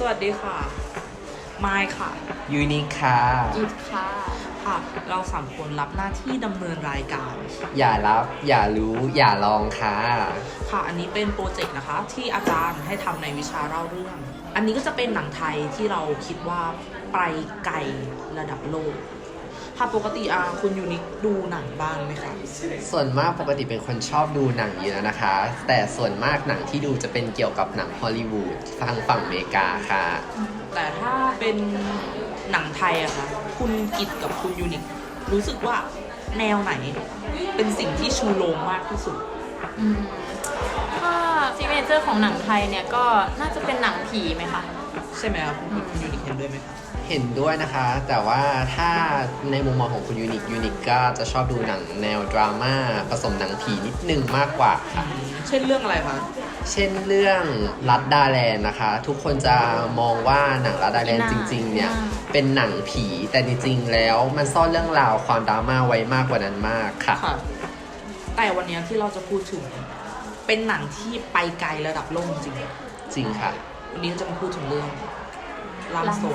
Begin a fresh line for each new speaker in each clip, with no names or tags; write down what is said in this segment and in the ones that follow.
วัสดีค่ะไมค์ค่ะ
ยูนิคค่ะ
กิฟค่ะ
ค่ะ เราสามคนรับหน้าที่ดำเนินรายการ
อย่ารับอย่ารู้อย่าลองค่ะ
ค่ะ อันนี้เป็นโปรเจกต์นะคะ ที่อาจารย์ให้ทำในวิชาเล่าเรื่อง อันนี้ก็จะเป็นหนังไทยที่เราคิดว่าไปไกลระดับโลกค่ะปกติคุณยูนิคดูหนังบ้างไหมคะ
ส่วนมากปกติเป็นคนชอบดูหนังอยู่แล้วนะคะแต่ส่วนมากหนังที่ดูจะเป็นเกี่ยวกับหนังฮอลลีวูดทางฝั่งอเมริกาค่ะ
แต่ถ้าเป็นหนังไทยอะคะคุณกิตกับคุณยูนิครู้สึกว่าแนวไหนเป็นสิ่งที่ชูโรงมากที่สุด
ถ้าซิกเนเจอร์ของหนังไทยเนี่ยก็น่าจะเป็นหนังผีไหมคะ
ใช่ไหมครับคุณยูนิคเห็นด้วยไหมคะ
เห็นด้วยนะคะแต่ว่าถ้าในมุมมองของคุณยูนิคก็จะชอบดูหนังแนวดราม่าผสมหนังผีนิดนึงมากกว่าค่ะ
เช่นเรื่องอะไรคะ
เช่นเรื่องลัดดาแลนด์นะคะทุกคนจะมองว่าหนังลัดดาแลนด์จริงๆเนี่ยเป็นหนังผีแต่จริงๆแล้วมันซ่อนเรื่องราวความดราม่าไว้มากกว่านั้นมากค่ะ
แต่วันนี้ที่เราจะพูดถึงเป็นหนังที่ไปไกลระดับโลกจริง
จริงค่ะ
วันนี้จะมาพูดถึงเรื่องร่างทรง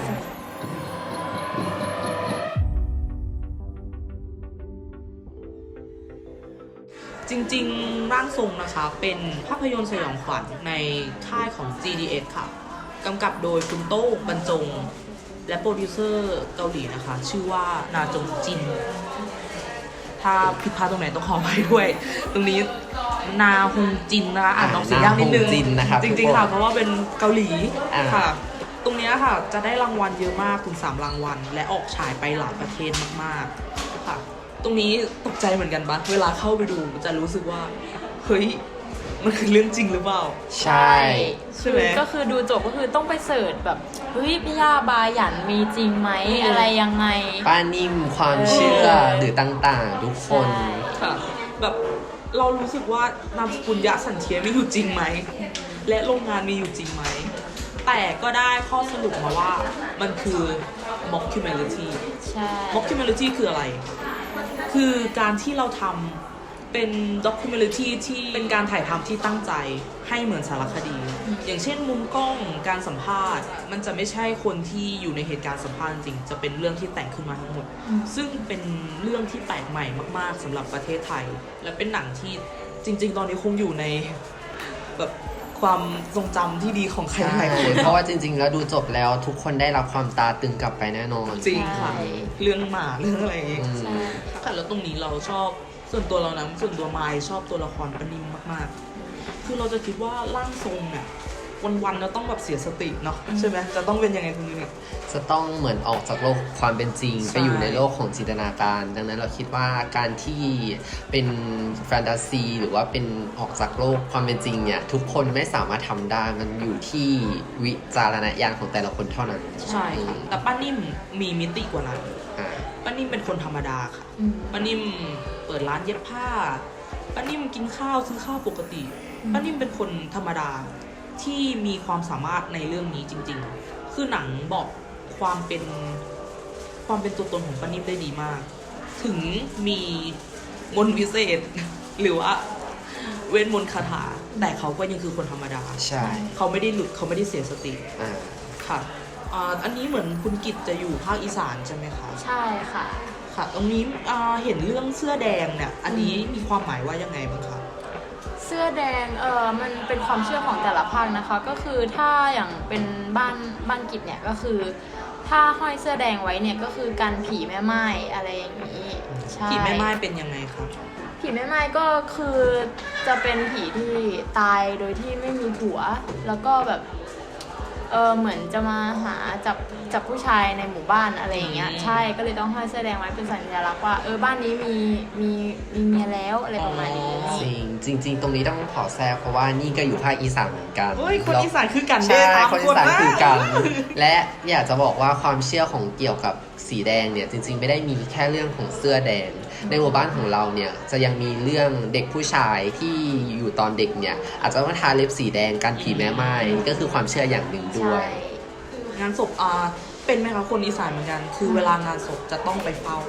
จริงๆร่างทรงนะคะเป็นภาพยนตร์สยองขวัญในค่ายของ GDS ค่ะกำกับโดยคุณโต้งบรรจงและโปรดิวเซอร์เกาหลีนะคะชื่อว่านาจงจินถ้าผิดพลาดตรงไหนต้องขออภัยด้วยตรงนี้นาฮงจินนะคะอ่านออกเสียงยากนิดนึงจริงๆค่ะเพราะว่าเป็นเกาหลีค่ะตรงนี้ค่ะจะได้รางวัลเยอะมากถึง3รางวัลและออกฉายไปหลายประเทศมากๆค่ะตรงนี้ตกใจเหมือนกันปะเวลาเข้าไปดูจะรู้สึกว่าเฮ้ยมันคือเรื่องจริงหรือเปล่า
ใช่
ใช่ไหม
ก็คือดูจบก็คือต้องไปเสิร์ชแบบเฮ้ยพี่ย่าบาหยันมีจริงไหมอะไรยังไง
ป้านิ่มความเชื่อหรือต่างๆทุกคน
ค่ะแบบเรารู้สึกว่านามสกุลยะสันเทียมีอยู่จริงไหมและโรงงานมีอยู่จริงไหมแต่ก็ได้ข้อสรุปมาว่ามันคือ mockumentary
ใช่
mockumentary คืออะไรคือการที่เราทำเป็น documentary ที่เป็นการถ่ายทำที่ตั้งใจให้เหมือนสารคดีอย่างเช่นมุมกล้องการสัมภาษณ์มันจะไม่ใช่คนที่อยู่ในเหตุการณ์สัมภาษณ์จริงจะเป็นเรื่องที่แต่งขึ้นมาทั้งหมดซึ่งเป็นเรื่องที่แปลกใหม่มากๆสำหรับประเทศไทยและเป็นหนังที่จริงๆตอนนี้คงอยู่ในแบบความทรงจำที่ดีของใครหลายคน
เพราะว่าจริงๆแล้วดูจบแล้วทุกคนได้รับความตาตึงกลับไปแน่นอน
จริงค่ะเรื่องหมาเรื่องอะไรอย่างงี้ค่ะแล้วตรงนี้เราชอบส่วนตัวเรานะส่วนตัวไมค์ชอบตัวละครปนิมมากๆคือเราจะคิดว่าร่างทรงเนี่ยวันๆเราต้องแบบเสียสติเนาะใช่ไหมจะต้องเป็นยังไงตรงนี้
จะต้องเหมือนออกจากโลกความเป็นจริงไปอยู่ในโลกของจินตนาการดังนั้นเราคิดว่าการที่เป็นแฟนตาซีหรือว่าเป็นออกจากโลกความเป็นจริงเนี่ยทุกคนไม่สามารถทำได้มันอยู่ที่วิจารณญาณของแต่ละคนเท่านั้น
ใช่ค่ะแต่ป้านิ่มมีมิติกว่านั้นป้านิ่มเป็นคนธรรมดาค่ะป้านิ่มเปิดร้านเย็บผ้าป้านิ่มกินข้าวซื้อข้าวปกติป้านิ่มเป็นคนธรรมดาที่มีความสามารถในเรื่องนี้จริงๆคือหนังบอกความเป็นตัวตนของป้านิ่มได้ดีมากถึงมีมนต์วิเศษหรือว่าเวทมนต์คาถาแต่เขาก็ยังคือคนธรรมดา
ใช่
เขาไม่ได้หลุดเขาไม่ได้เสียสติค่ะอันนี้เหมือนคุณกิตจะอยู่ภาคอีสานใช่ไหมคะ
ใช่ค่ะ
ค่ะตรงนี้เห็นเรื่องเสื้อแดงเนี่ยอันนี้มีความหมายว่ายังไงบ้างคะ
เสื้อแดงมันเป็นความเชื่อของแต่ละภาคนะคะก็คือถ้าอย่างเป็นบ้านกิจเนี่ยก็คือถ้าห้อยเสื้อแดงไว้เนี่ยก็คือกันผีแม่ไม้อะไรอย่างนี้
ผีแม่ไม้เป็นยังไงคะ
ผีแม่ไม้ก็คือจะเป็นผีที่ตายโดยที่ไม่มีผัวแล้วก็แบบเหมือนจะมาหาจับผู้ชายในหมู่บ้านอะไรอย่างเงี้ยใช่ก็เลยต้องห้อยเสื้อแดงไว้เป็นสัญลักษณ์ว่าบ้านนี้มีเมียแล้วอะไรประมาณนี้
จริงตรงนี้ต้องขอแซวเพราะว่านี่ก็อยู่ภาคอีสานเหมือนกัน
คนอีสานคือกัน
ใช่คนอีสานคือกันและอยากจะบอกว่าความเชื่อของเกี่ยวกับสีแดงเนี่ยจริงๆไม่ได้มีแค่เรื่องของเสื้อแดงในหมู่บ้านของเราเนี่ยจะยังมีเรื่องเด็กผู้ชายที่อยู่ตอนเด็กเนี่ยอาจจะต้องทาเล็บสีแดงกันผีแม่ไม้ก็คือความเชื่ออย่างหนึ่งด้วย
งานศพเป็นไหมคะคนอีสานเหมือนกันคือเวลางานศพจะต้องไปเฝ้า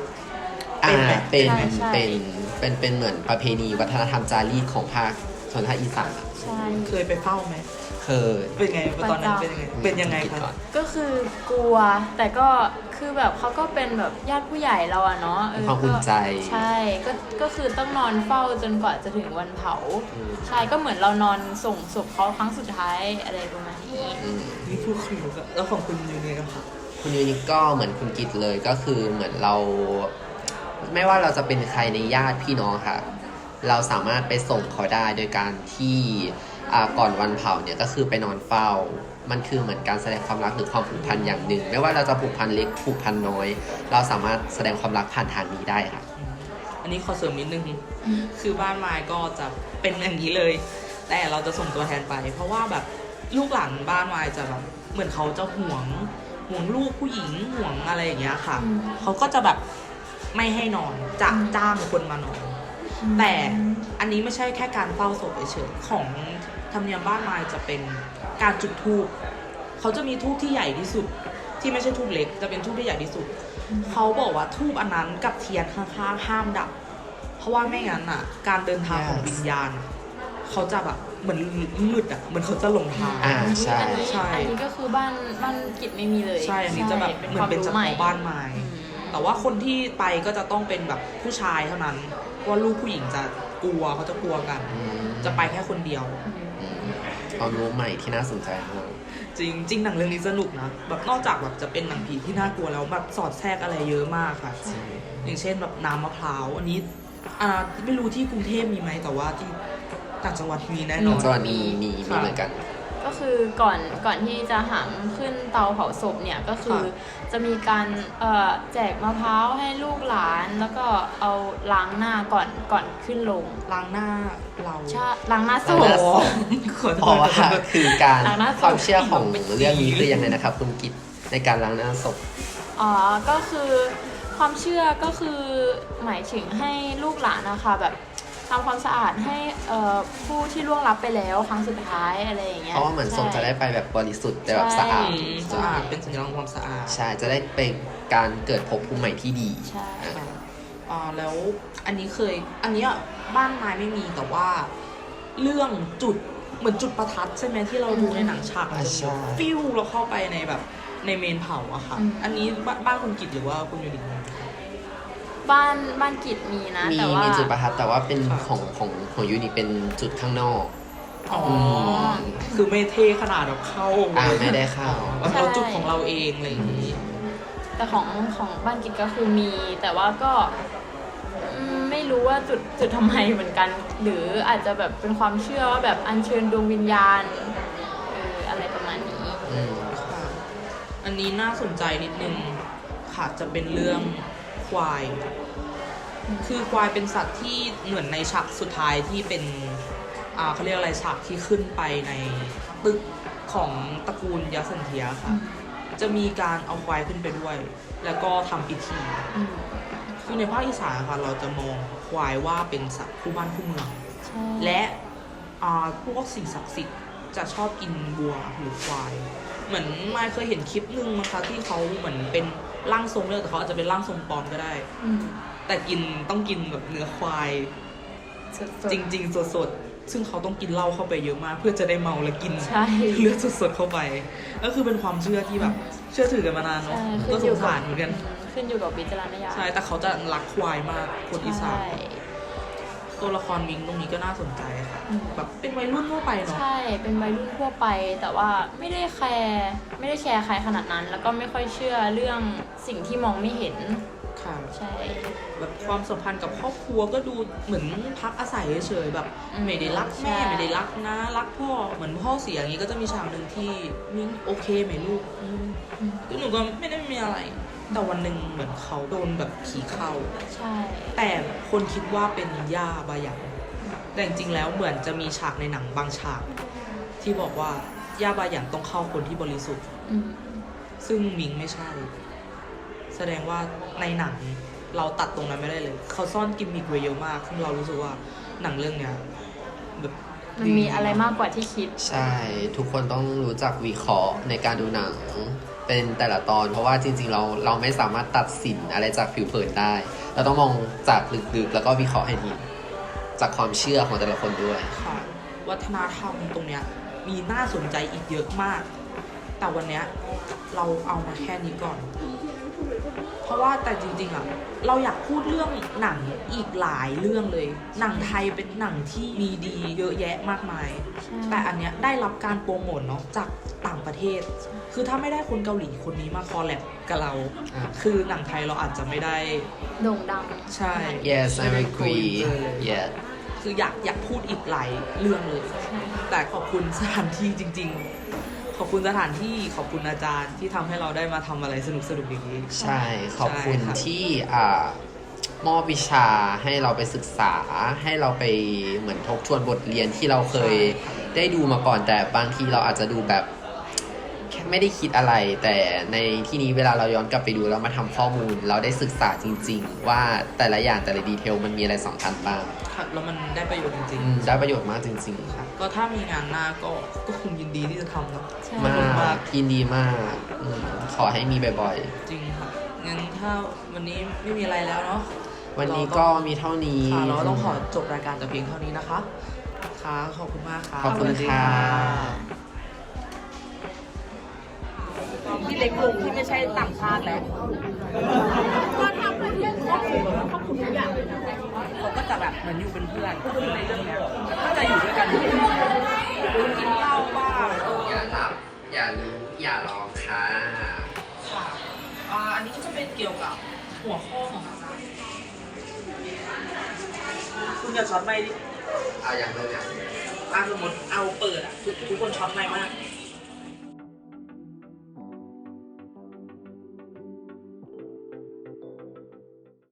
เป็นเหมือนประเพณีวัฒนธรรมจารีตของภาคชนภาคอีสาน
เคยไปเฝ้าไหม
เคย
เป็นไงตอนนั้นเป็นยังไงเป็นยังไง
คิด
คะ
ก่อน
ก็คือกลัวแต่ก็คือแบบเขาก็เป็นแบบญาติผู้ใหญ่เราอะเนาะ
เป็นความอุ่นใจ
ใช่ก็คือต้องนอนเฝ้าจนกว่าจะถึงวันเผา
อืม
ใช่ก็เหมือนเรานอนส่งศพเขาครั้งสุดท้ายอะไรประมาณนี้
อืม
นี่พูดคุยกันแล้วของคุณอยู่เนี่ยครับ
คุณยูนิคก็เหมือนคุณกิตเลยก็คือเหมือนเรา ไม่ว่าเราจะเป็นใครในญาติพี่น้องค่ะ เราสามารถไปส่งเขาได้โดยการที่ก่อนวันเผาเนี่ยก็คือไปนอนเฝ้า มันคือเหมือนการแสดงความรักหรือความผูกพันอย่างหนึ่ง ไม่ว่าเราจะผูกพันเล็กผูกพันน้อย เราสามารถแสดงความรักผ่านทางนี้ได้ค่ะ
อันนี้ขอเสริมนิดนึง คือบ้านไม้ก็จะเป็นอย่างนี้เลย แต่เราจะส่งตัวแทนไป เพราะว่าแบบลูกหลานบ้านไม้จะแบบเหมือนเขาจะห่วงลูกผู้หญิงห่วงอะไรอย่างเงี้ยค่ะ
อืม
เขาก็จะแบบไม่ให้นอนจะจ้างคนมานอน แต่อันนี้ไม่ใช่แค่การเฝ้าศพเฉยๆของธรรมเนียมบ้านไม้จะเป็นการจุดธูปเขาจะมีธูปที่ใหญ่ที่สุด ที่ไม่ใช่ธูปเล็กจะเป็นธูปที่ใหญ่ที่สุด เขาบอกว่าธูปอันนั้นกับเทียนข้างๆห้ามดับ เพราะว่าไม่งั้นอ่ะ การเดินทางของวิญญาณอะเขาจะแบบเหมือนมืดอ่ะเหมือนเขาจะหลงทาง
อ่าใช่
ใช่
อันนี้ก็คือบ้านกิจไม่มีเลย
ใช่อันนี้จะแบบเหมือนเป็นเฉพาะบ้านไม้
อืม
แต่ว่าคนที่ไปก็จะต้องเป็นแบบผู้ชายเท่านั้นเพราะว่าลูกผู้หญิงจะกลัวเขาจะกลัวกัน
อืม
จะไปแค่คนเดียว
อืมความรู้ใหม่ที่น่าสนใจมาก
จริงหนังเรื่องนี้สนุกนะแบบนอกจากแบบจะเป็นหนังผีที่น่ากลัวแล้วแบบสอดแทรกอะไรเยอะมากค่ะ อย่างเช่นแบบน้ำมะพร้าวอันนี้ไม่รู้ที่กรุงเทพมีไหมแต่ว่าที่ต่างจังหวัดมีแน่นอน
จังหวัดมีเหมือนกัน
ก็คือก่อนที่จะหามขึ้นเตาเผาศพเนี่ยก็คือ
ค่ะ
จะมีการแจกมะพร้าวให้ลูกหลานแล้วก็เอาล้างหน้าก่อนขึ้นลง
ล้างหน้าเรา
ใช่ล้างหน้าศ
ล้างหน้า
พ
ศพ
ขอโท
เพราะ
ษ
ว่าคือการ
ล้างหน้าศพ
ความเชื่อของเรื่องนี้คือยังไงนะครับคุณกิตในการล้างหน้าศพ
อ๋อก็คือความเชื่อก็คือหมายถึงให้ลูกหลานนะคะแบบทำความสะอาดให้ผู้ที่ล่วงลับไปแล้วครั้งสุดท้ายอะไรอย่างเงี้ย
เพราะว่าเหมือนศพจะได้ไปแบบบริสุทธิ์แต่แบบสะอาด
สะอาดเป็นสัญลักษณ์ความสะอาด
ใช่จะได้เป็นการเกิดภพภูมิใหม่ที่ดี
ใช่
ค่ะแล้วอันนี้บ้านไม้ไม่มีแต่ว่าเรื่องจุดเหมือนจุดประทัดใช่ไหมที่เราดูในหนังฉากมันจะ
ใช่
มีฟิวเราเข้าไปในแบบในเมนเผาอะค่ะ อันนี้บ้านคุณกิตหรือว่าคุณยูนิค
บ้านกิจมีนะ
มี
แต่ว่า
จุดประทัดแต่ว่าเป็น
ค่ะ
ของยูนิเป็นจุดข้างนอก
อ๋อ
ม
คือไม่เท่ขนาดแบบเข้า
ไม่ได้เข้า
แบบเราจุดของเราเองอะไรอย่างนี้
แต่ของบ้านกิจก็คือมี แต่ว่าก็ไม่รู้ว่าจุดทำไมเหมือนกัน หรืออาจจะแบบเป็นความเชื่อว่าแบบอัญเชิญดวงวิญญาณอะไรประมาณนี้
อืม
ค่ะอันนี้น่าสนใจนิดนึงค่ะจะเป็นเรื่องควาย คือควายเป็นสัตว์ที่เหมือนในฉากสุดท้ายที่เป็นเขาเรียกอะไรฉากที่ขึ้นไปในตึกของตระกูลยักษ์สันเทียค่ะ จะมีการเอาควายขึ้นไปด้วย แล้วก็ทำพิธี
อืม
คือในภาคอีสานค่ะเราจะมองควายว่าเป็นสัตว์คู่บ้านคู่เมือง
ใช่
และพวกสิ่งศักดิ์สิทธิ์จะชอบกินวัวหรือควาย เหมือนมายเคยเห็นคลิปหนึ่งนะคะที่เขาเหมือนเป็นร่างทรงเลยแต่เขาอาจจะเป็นร่างทรงปลอมก็ได้
อืม
แต่ต้องกินแบบเนื้อควาย
สดๆ
จริงๆสดๆซึ่งเขาต้องกินเหล้าเข้าไปเยอะมาก เพื่อจะได้เมาและกิน
ใช่
เลือดสดๆเข้าไป ก็คือเป็นความเชื่อที่แบบเชื่อถือกันมานานเนาะ
ใช่
ก็สงสารเหมือนกัน
ขึ้นอยู่กับวิจารณญาณ
ใช่แต่เขาจะรักควายมากคนอีสาน
ใช่
ตัวละครมิงตรงนี้ก็น่าสนใจค่ะ
อืม
แบบเป็นวัยรุ่นทั่วไปเนาะ
ใช่ เป็นวัยรุ่นทั่วไป แต่ว่าไม่ได้แคร์ใครขนาดนั้น แล้วก็ไม่ค่อยเชื่อเรื่องสิ่งที่มองไม่เห็น
ค่ะ
ใช่
แบบความสัมพันธ์กับครอบครัวก็ดูเหมือนพักอาศัยเฉยๆแบบ
อืม
ไม่ได้รักแม่
ใช่
ไม่ได้รักนะรักพ่อเหมือนพ่อเสียอย่างนี้ก็จะมีฉากหนึ่งที่มิ้งโอเคไหมลูกคือหนูก็ไม่ได้มีอะไร แต่วันหนึ่งเหมือนเขาโดนแบบผีเข้า
ใช่
แต่คนคิดว่าเป็นย่าบายันแต่จริงๆแล้วเหมือนจะมีฉากในหนังบางฉาก ที่บอกว่าย่าบายันต้องเข้าคนที่บริสุทธิ์
อืม
ซึ่งมิงไม่ใช่ แสดงว่าในหนังเราตัดตรงนั้นไม่ได้เลย เขาซ่อนกิมมิคไว้เยอะมากซึ่งเรารู้สึกว่าหนังเรื่องเนี้ยแบบ
มันมีอะไรมากกว่าที่คิด
ใช่ ทุกคนต้องรู้จักวิเคราะห์ในการดูหนังเป็นแต่ละตอน เพราะว่าจริงๆเราไม่สามารถตัดสินอะไรจากผิวเผินได้ เราต้องมองจากลึกๆแล้วก็วิเคราะห์ให้ดีจากความเชื่อของแต่ละคนด้วย
ค่ะวัฒนธรรมตรงเนี้ยมีน่าสนใจอีกเยอะมาก แต่วันเนี้ยเราเอามาแค่นี้ก่อน เพราะว่าแต่จริงๆอ่ะเราอยากพูดเรื่องหนังอีกหลายเรื่องเลย หนังไทยเป็นหนังที่มีดีเยอะแยะมากมาย แต่อันเนี้ยได้รับการโปรโมทเนาะจากต่างประเทศ คือถ้าไม่ได้คนเกาหลีคนนี้มาคอลแลบกับเรา คือหนังไทยเราอาจจะไม่ได้
โด่งดัง
ใช่
yes I agree yeah
คืออยากพูดอีกหลายเรื่องเลย แต่ขอบคุณสถานที่จริง ๆ ขอบคุณสถานที่ขอบคุณอาจารย์ที่ทำให้เราได้มาทำอะไรสนุกๆอย่างนี้
ใช่ขอบคุณ
ใช่ครับ
ที่มอบวิชาให้เราไปศึกษา ให้เราไปเหมือนทบทวนบทเรียนที่เราเคยได้ดูมาก่อน แต่บางทีเราอาจจะดูแบบแค่ไม่ได้คิดอะไร แต่ในที่นี้เวลาเราย้อนกลับไปดูแล้วมาทำข้อมูล เราได้ศึกษาจริง ๆ ว่าแต่ละอย่างแต่ละดีเทลมันมีอะไรสำคัญบ้าง
ครับแล้วมันได้ประโยชน์จริง
ได้ประโยชน์มากจริง
ๆครับก็ถ้ามีงานหน้าก็คงยินดีที่จะทำเนาะ
ใช่
ๆ มากยินดีมากขอให้มีบ่อย
จริงค่ะงั้นถ้าวันนี้ไม่มีอะไรแล้วเนาะ
ๆ วันนี้ก็มีเท่านี้
ค่ะเราต้องขอจบรายการแต่เพียงเท่านี้นะคะค่ะขอบคุณมากค่ะ
ขอบคุณค่ะ
พี่เล็กลงที่ไม่ใช่ต่างชาติแล้วก็ทำเรื่องครอบครัวทุกอย่างเลยนะเขาก็จะแบบเหมือนอยู่เป็นเพื่อนในเรื่องเนี้ยก็จะอยู่ด้วยกันกินเหล้าบ้าง
อย่ารับอย่าลืมอย่าลองค่ะ
ค่ะอันนี้ก็จะเป็นเกี่ยวกับหัวข้อของอาจารย์คุณอย่าช็อตไม่ดิ
เอาอย่างเริ่มอย่าง
สมมติเอาเปิดทุกคนช็อตไม่มาก